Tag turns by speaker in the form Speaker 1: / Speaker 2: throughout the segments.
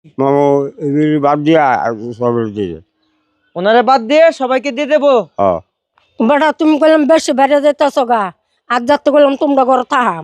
Speaker 1: মামু এগুলি বাদ দিয়া সবের দিয়ে
Speaker 2: ওনারে বাদ দিয়ে সবাইকে দিয়ে দেবো।
Speaker 1: হ্যাঁ
Speaker 3: বেটা তুমি কইলাম বেশি বাইরে যেতেছ গা আজ যাতে কইলাম তোমরা ঘরে থাহাম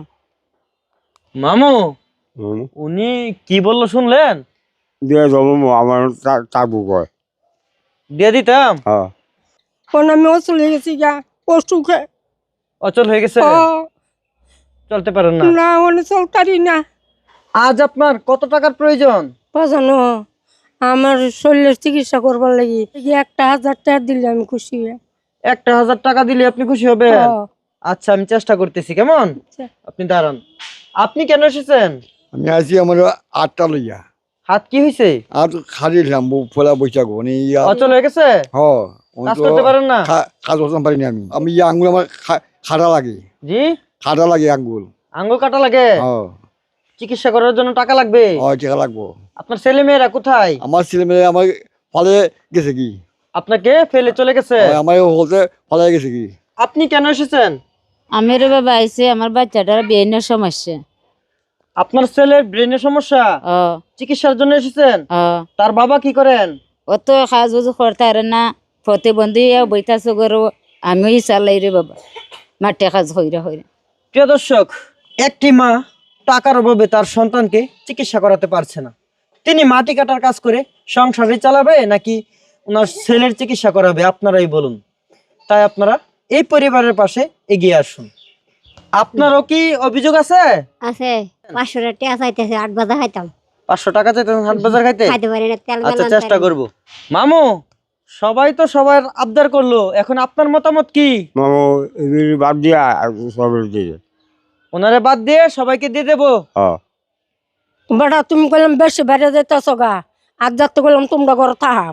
Speaker 2: মামু
Speaker 1: মামু
Speaker 2: উনি কি বললো শুনলেন?
Speaker 1: দিয়ে যাবো আমার টাকু কয়
Speaker 2: দিয়ে দিতাম।
Speaker 1: হ্যাঁ
Speaker 3: কোন আমি চলে গেছি গা অসুখে
Speaker 2: অচল হয়ে গেছে,
Speaker 3: ও
Speaker 2: চলতে পারেন না।
Speaker 3: না অনেক চলতারি না
Speaker 2: আজ আপনার কত টাকার প্রয়োজন?
Speaker 3: বাজানো আমার শরীরের চিকিৎসা করবার লাগি 1,000 টাকা দিলে আমি খুশি হই।
Speaker 2: 1,000 টাকা দিলে আপনি খুশি হবেন?
Speaker 3: ও,
Speaker 2: আচ্ছা আমি চেষ্টা করতেছি, কেমন?
Speaker 3: আচ্ছা।
Speaker 2: আপনি দাঁড়ান। আপনি কেন এসেছেন?
Speaker 4: আমি আছি আমার 8টা লইয়া
Speaker 2: হাত কি হয়েছে?
Speaker 4: আর খারিলাম ফোলা বৈশাখ মানে
Speaker 2: অচল হয়ে গেছে, কাজ করতে পারেন না?
Speaker 4: কাজ করতে পারিনি আমি আঙ্গুল আমার খাড়া লাগে,
Speaker 2: জি
Speaker 4: খাড়া লাগে আঙ্গুল।
Speaker 2: আঙ্গুল কাটা লাগে, চিকিৎসা করার জন্য টাকা লাগবে।
Speaker 4: টাকা লাগবো।
Speaker 2: আপনার ছেলে মেয়েরা কোথায়?
Speaker 4: আমার ছেলে মেয়ে আমার ফলে গেছে কি,
Speaker 2: আপনাকে ফেলে চলে গেছে।
Speaker 4: আমার হলতে ফলে গেছে কি।
Speaker 2: আপনি কেন এসেছেন?
Speaker 5: আমার বাবা আইছে আমার বাচ্চাটার ব্রেনের সমস্যা।
Speaker 2: আপনার ছেলের ব্রেনের সমস্যা,
Speaker 5: ও
Speaker 2: চিকিৎসার জন্য এসেছেন?
Speaker 5: ও
Speaker 2: তার বাবা কি করেন?
Speaker 5: ও তো কাজ বুঝু করতে পারে না, প্রতিবন্ধী বইতাছে গরু আমি চালাই রে বাবা মাঠে কাজ হইরা হইরা।
Speaker 2: প্রিয় দর্শক, একটি মা টাকার অভাবে তার সন্তানকে চিকিৎসা করাতে পারছে না। তিনি মাটি কাটার কাজ করে সংসারে চালাবে নাকি ওনার ছেলের চিকিৎসা করাবে? আপনারাই বলুন। তাই আপনারা এই পরিবারের পাশে এগিয়ে আসুন। আপনারও কি অভিযোগ আছে?
Speaker 6: আছে 500 টাকা চাইতেছে 8 বাজা খাইতাম
Speaker 2: 500 টাকা চাইতেন হাট বাজার খাইতে?
Speaker 6: খাইতে পারি না তেল
Speaker 2: আচ্ছা
Speaker 6: মেলান
Speaker 2: চেষ্টা
Speaker 6: পারি না।
Speaker 2: করব। মামু সবাই তো সবার আবদার করলো, এখন আপনার মতামত কি?
Speaker 1: মামু এগুলি বাদ দিয়া সবের দিয়ে
Speaker 2: ওনারে বাদ দিয়ে সবাইকে দিয়ে দেবো।
Speaker 1: হ্যাঁ
Speaker 3: বেটা তুমি কইলাম বেশি বাইরে যেতেছ গা আজ যাতে কইলাম তোমরা ঘরে থাহাম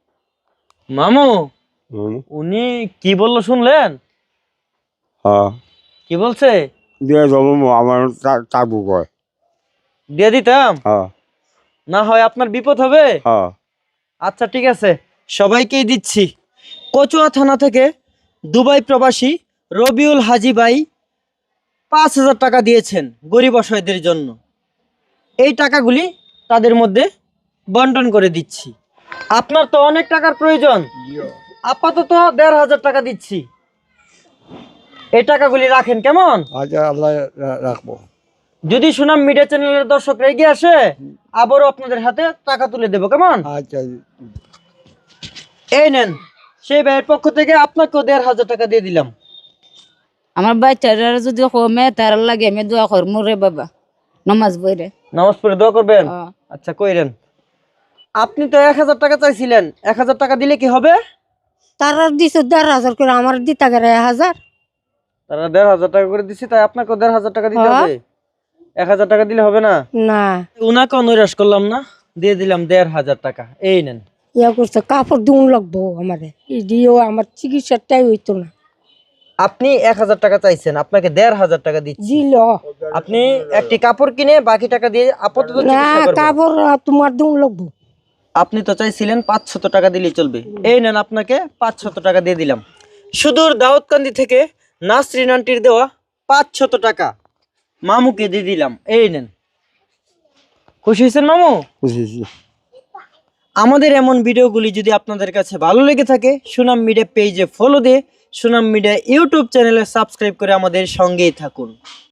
Speaker 2: মামু
Speaker 1: মামু
Speaker 2: উনি কি বললো শুনলেন?
Speaker 1: হ্যাঁ
Speaker 2: কি বলছে?
Speaker 1: দিয়ে যাবো আমার টাকু কয়
Speaker 2: দিয়ে দিতাম।
Speaker 1: হ্যাঁ
Speaker 2: না হয় আপনার বিপদ হবে।
Speaker 1: হ্যাঁ
Speaker 2: আচ্ছা ঠিক আছে, সবাইকেই দিচ্ছি। কচুয়া থানা থেকে দুবাই প্রবাসী রবিউল হাজি ভাই 5,000 টাকা দিয়েছেন গরিব অসহায়দের জন্য। এই টাকাগুলি তাদের মধ্যে বন্টন করে দিচ্ছি। আপনার তো অনেক টাকার প্রয়োজন, আপাতত 1,500 টাকা দিচ্ছি। এই টাকাগুলি রাখেন, কেমন?
Speaker 4: আচ্ছা আল্লাহ রাখবো।
Speaker 2: যদি সুনাম মিডিয়া চ্যানেলের দর্শকরা এগিয়ে আসে আবারও আপনাদের হাতে টাকা তুলে দেবো, কেমন?
Speaker 4: আচ্ছা
Speaker 2: এই নেন, সেই ভাইয়ের পক্ষ থেকে আপনাকেও 1,500 টাকা দিয়ে দিলাম।
Speaker 5: আমার বাচ্চাটার যদি কমে তার লাগে আমি দোয়া করমু রে বাবা নমাজ বইরে।
Speaker 2: নামাজ পড়ে দোয়া করবেন?
Speaker 5: ও
Speaker 2: আচ্ছা কইরেন। আপনি তো 1,000 টাকা চাইছিলেন, 1,000 টাকা দিলে কি হবে?
Speaker 3: তারা দিছে 1,500 করে আমার দিতা গেলে 1,000
Speaker 2: তারা 1,500 টাকা করে দিছি, তাই আপনাকেও 1,500 টাকা দিতে
Speaker 3: হ্যাঁ।
Speaker 2: হবে। 1,000 টাকা দিলে হবে না?
Speaker 3: না
Speaker 2: উনাকে নৈরাশ করলাম না, দিয়ে দিলাম 1,500 টাকা। এই নেন।
Speaker 3: ইয়া করছে কাপড় দিন লাগবো আমারে এই দিয়েও আমার চিকিৎসাটাই হইতো না
Speaker 2: আপনি 1,000 টাকা চাইছেন, আপনাকে 1,500 টাকা দিচ্ছি।
Speaker 3: দিল
Speaker 2: আপনি একটি কাপড় কিনে বাকি টাকা দিয়ে আপাতত
Speaker 3: না
Speaker 2: চিকিৎসা করবেন।
Speaker 3: কাপড় তোমার দিন লাগবো
Speaker 2: আপনি তো চাইছিলেন 500 টাকা দিলেই চলবে। এই নেন, আপনাকে 500 টাকা দিয়ে দিলাম। সুদূর দাউদকান্দি থেকে নাসরিন আন্টির দেওয়া 500 টাকা মামুকে দিয়ে দিলাম। এই নেন। খুশি হয়েছেন মামু?
Speaker 1: বুঝেছি
Speaker 2: আমাদের এমন ভিডিওগুলি যদি আপনাদের কাছে ভালো লেগে থাকে, সুনাম মিডিয়া পেজে ফলো দিয়ে সুনাম মিডিয়া ইউটিউব চ্যানেলে সাবস্ক্রাইব করে আমাদের সঙ্গেই থাকুন।